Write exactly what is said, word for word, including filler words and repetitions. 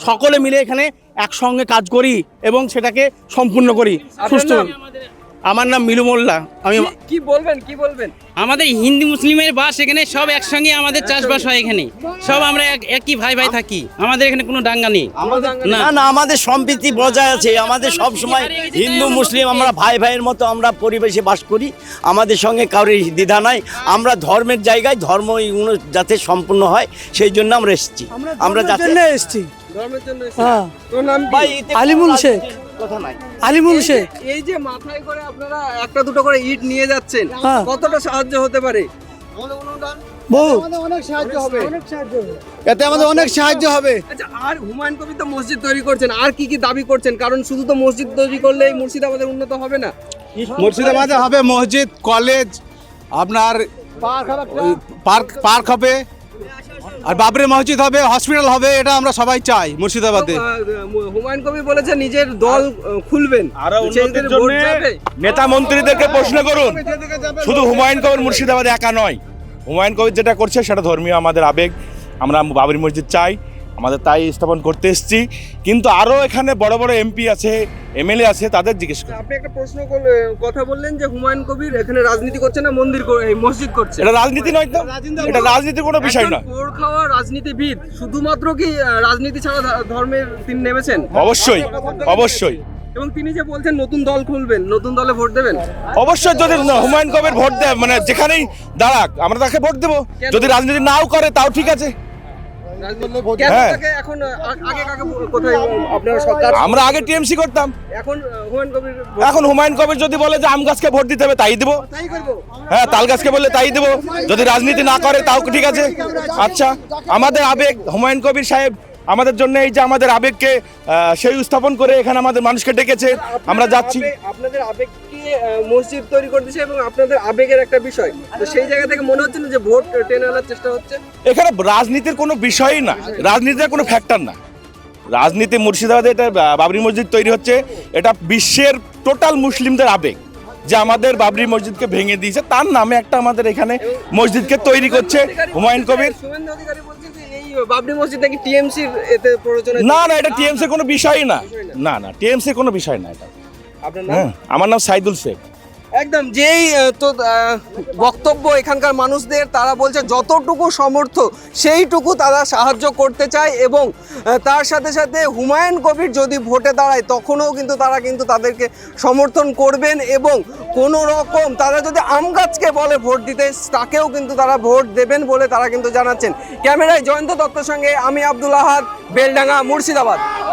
সকলে মিলে এখানে একসঙ্গে কাজ করি এবং সেটাকে সম্পূর্ণ করি সুস্থ। আমার নাম মিলু মোল্লা। আমি কি বলবেন কি বলবেন? আমাদের হিন্দু মুসলিমের বাস এখানে সব একসঙ্গে আমাদের চাষবাস হয় এখানে সব আমরা এক- একই ভাই ভাই থাকি আমাদের এখানে কোনো দাঙ্গা নেই না না না আমাদের সম্প্রীতি বজায় আছে। আমাদের সব সময় হিন্দু মুসলিম আমরা ভাই ভাইয়ের মতো আমরা পরিবেশে বাস করি। আমাদের সঙ্গে কারোর দ্বিধা নাই। আমরা ধর্মের জায়গায় ধর্ম এগুলো যাতে সম্পূর্ণ হয় সেই জন্য আমরা এসেছি। আমরা যাতে এসছি ধর্মের জন্য এসেছেন। হ্যাঁ তোর নাম কি? ভাই এতে আলিমুল শেখ কথা নাই। আলিমুল শেখ এই যে মাথায় করে আপনারা একটা দুটো করে ইট নিয়ে যাচ্ছেন, হ্যাঁ। কতটা সাহায্য হতে পারে? বহু এতে আমাদের অনেক সাহায্য হবে। আচ্ছা, আর হুমায়ুন কবির তো মসজিদ তৈরি করছেন, আর কি কি দাবি করছেন? কারণ শুধু তো মসজিদ তৈরি করলেই মুর্শিদাবাদের উন্নত হবে না। মুর্শিদাবাদে হবে মসজিদ, কলেজ, আপনার ওই পার্ক পার্ক হবে, আর বাবরি মসজিদ হবে, হসপিটাল হবে। এটা আমরা সবাই চাই মুর্শিদাবাদে। তো, আহ, হুমায়ুন কবির বলেছে নিজের দল আহ, খুলবেন। আরো সেই উন্নতির দিনে ভোট জন্য যাবে? নেতা মন্ত্রীদেরকে প্রশ্ন করুন। শুধু হুমায়ুন কবির মুর্শিদাবাদে একা নয়, হুমায়ুন কবির যেটা করছে সেটা ধর্মীয় আমাদের আবেগ। আমরা বাবরি মসজিদ চাই, আমাদের তাই স্থাপন করতে এসেছি। কিন্তু আরও এখানে বড় বড় এমপি আছে, এমএলএ আছে, তাদের জিজ্ঞেস করুন। আপনি একটা প্রশ্ন করলে- কথা বললেন যে হুমায়ুন কবির এখানে রাজনীতি করছে না, মন্দির কর- এই মসজিদ করছে। এটা রাজনীতি নয় তো, এটা রাজনীতির কোনো বিষয় না। একজন পোড় খাওয়া রাজনীতিবিদ শুধুমাত্র কি আহ, রাজনীতি ছাড়া ধ- ধর্মের তিনি নেমেছেন? অবশ্যই অবশ্যই এবং তিনি যে বলছেন নতুন দল খুলবেন, নতুন দলে ভোট দেবেন। অবশ্যই যদি হুমায়ুন কবির ভোট দেয়, মানে যেখানেই দাঁড়াক আমরা তাকে ভোট দেবো। যদি রাজনীতি নাও করে তাও ঠিক আছে। কেন হ্যাঁ। তাকে এখন আহ, আগে কাকে ভো- কোথায় আপনারা সরকার আমরা আগে টিএমসি করতাম, এখন আহ, হুমায়ুন কবির ভোট- এখন হুমায়ুন কবির যদি বলে যে আম গাছকে ভোট দিতে হবে তাই দিব। তাই করবো। হ্যাঁ, তাল গাছকে বললে তাই দেবো। যদি রাজনীতি না করে তাও ঠিক আছে। আচ্ছা, আমাদের আবেগ হুমায়ুন কবির সাহেব আমাদের জন্য এই যে আমাদের আবেগকে আহ, সেই স্থাপন করে এখানে আমাদের মানুষকে ডেকেছে, আমরা যাচ্ছি। আবেগ- আপনাদের আবেগকে আহ, মসজিদ তৈরি করতেছে এবং আপনাদের আবেগের একটা বিষয়, তো সেই জায়গা থেকে মনে হচ্ছে না যে ভোট টেনে আনার চেষ্টা হচ্ছে? এখানে রাজনীতির কোনো বিষয়ই না, রাজনীতির কোনো ফ্যাক্টর না। রাজনীতি মুর্শিদাবাদে এটা আহ, বাবরি মসজিদ তৈরি হচ্ছে, এটা বিশ্বের টোটাল মুসলিমদের আবেগ যে আমাদের বাবরি মসজিদকে ভেঙে দিয়েছে, তার নামে একটা আমাদের এখানে মসজিদকে তৈরি করছে হুমায়ুন কবির। শুভেন্দু অধিকারী বলছে যে এই বাবরি মসজিদ নাকি টিএমসির এতে প্রয়োজনে। না না, এটা টিএমসির কোনো বিষয় না। না না, টিএমসির কোনো বিষয় না এটা। আপনার নাম? হ্যাঁ, আমার নাম সাইদুল শেখ। একদম যেই আহ, তো আহ, বক্তব্য এখানকার মানুষদের, তারা বলছে যতটুকু সমর্থ সেইটুকু তারা সাহায্য করতে চায় এবং আহ, তার সাথে সাথে হুমায়ুন কবির যদি ভোটে দাঁড়ায় তখনও কিন্তু তারা কিন্তু তাদেরকে সমর্থন করবেন এবং কোনো রকম তারা যদি আম গাছকে বলে ভোট দিতে তাকেও কিন্তু তারা ভোট দেবেন বলে তারা কিন্তু জানাচ্ছেন। ক্যামেরায় জয়ন্ত দত্তের সঙ্গে আমি আব্দুল আহাদ, বেলডাঙ্গা, মুর্শিদাবাদ।